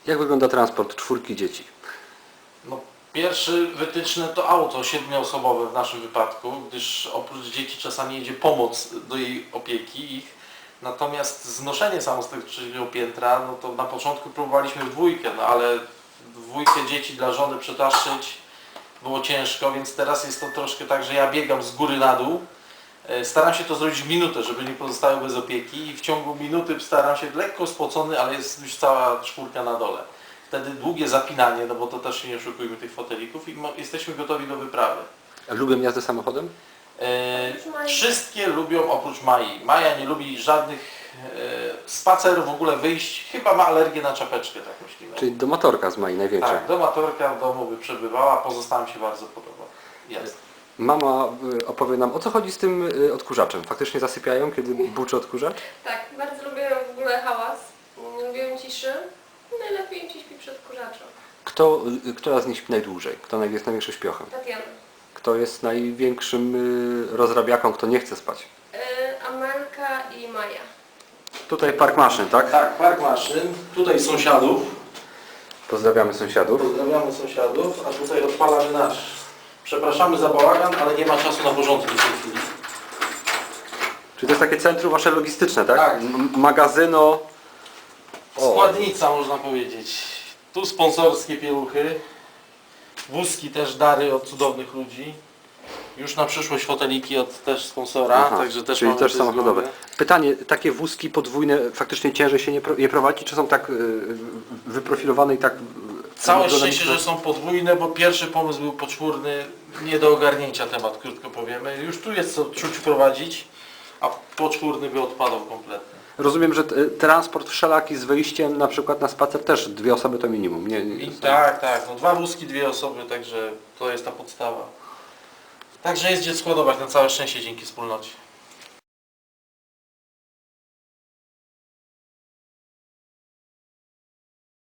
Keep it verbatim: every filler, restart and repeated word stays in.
Jak wygląda transport czwórki dzieci? No, pierwszy wytyczny to auto siedmioosobowe w naszym wypadku, gdyż oprócz dzieci czasami jedzie pomoc do jej opieki ich. Natomiast znoszenie samo z tego trzeciego piętra, no to na początku próbowaliśmy w dwójkę, no ale w dwójkę dzieci dla żony przetaszczyć było ciężko, więc teraz jest to troszkę tak, że ja biegam z góry na dół. Staram się to zrobić w minutę, żeby nie pozostały bez opieki i w ciągu minuty staram się, lekko spocony, ale jest już cała czwórka na dole. Wtedy długie zapinanie, no bo to też się nie oszukujmy tych fotelików i jesteśmy gotowi do wyprawy. A lubią jazdę samochodem? E, wszystkie lubią oprócz Mai. Maja nie lubi żadnych e, spacerów, w ogóle wyjść, chyba ma alergię na czapeczkę, tak myślimy. Czyli do motorka z Mai największa. Tak, do motorka w domu by przebywała, pozostałym się bardzo podoba. Jest. Mama y, opowie nam, o co chodzi z tym y, odkurzaczem. Faktycznie zasypiają, kiedy buczy odkurzacz? Tak, bardzo lubię w ogóle hałas, nie lubię ciszy. Najlepiej ci śpi przed odkurzaczem. Kto, y, która z nich śpi najdłużej? Kto jest największym śpiochem? Tatiana. Kto jest największym y, rozrabiaką, kto nie chce spać? Yy, Amelka i Maja. Tutaj park maszyn, tak? Tak, park maszyn, tutaj sąsiadów, Pozdrawiamy sąsiadów. pozdrawiamy sąsiadów, a tutaj odpalamy nasz. Przepraszamy za bałagan, ale nie ma czasu na porządki w tej chwili. Czyli to jest takie centrum wasze logistyczne, tak? Tak. M- magazyno. O. Składnica, można powiedzieć. Tu sponsorskie pieluchy. Wózki też, dary od cudownych ludzi. Już na przyszłość foteliki od też sponsora, Aha, także też czyli mamy też te samochodowe. zgody. Pytanie, takie wózki podwójne faktycznie ciężej się nie pro, je prowadzi, czy są tak y, wyprofilowane i tak... Całe ergonomiczne? szczęście, że są podwójne, bo pierwszy pomysł był poczwórny, nie do ogarnięcia temat, krótko powiemy. Już tu jest co czuć prowadzić, a poczwórny by odpadał kompletnie. Rozumiem, że t- transport wszelaki z wyjściem na przykład na spacer też dwie osoby to minimum. Nie, nie, I tak, tak, no dwa wózki, dwie osoby, także to jest ta podstawa. Także jest gdzie składować, na całe szczęście dzięki wspólnocie.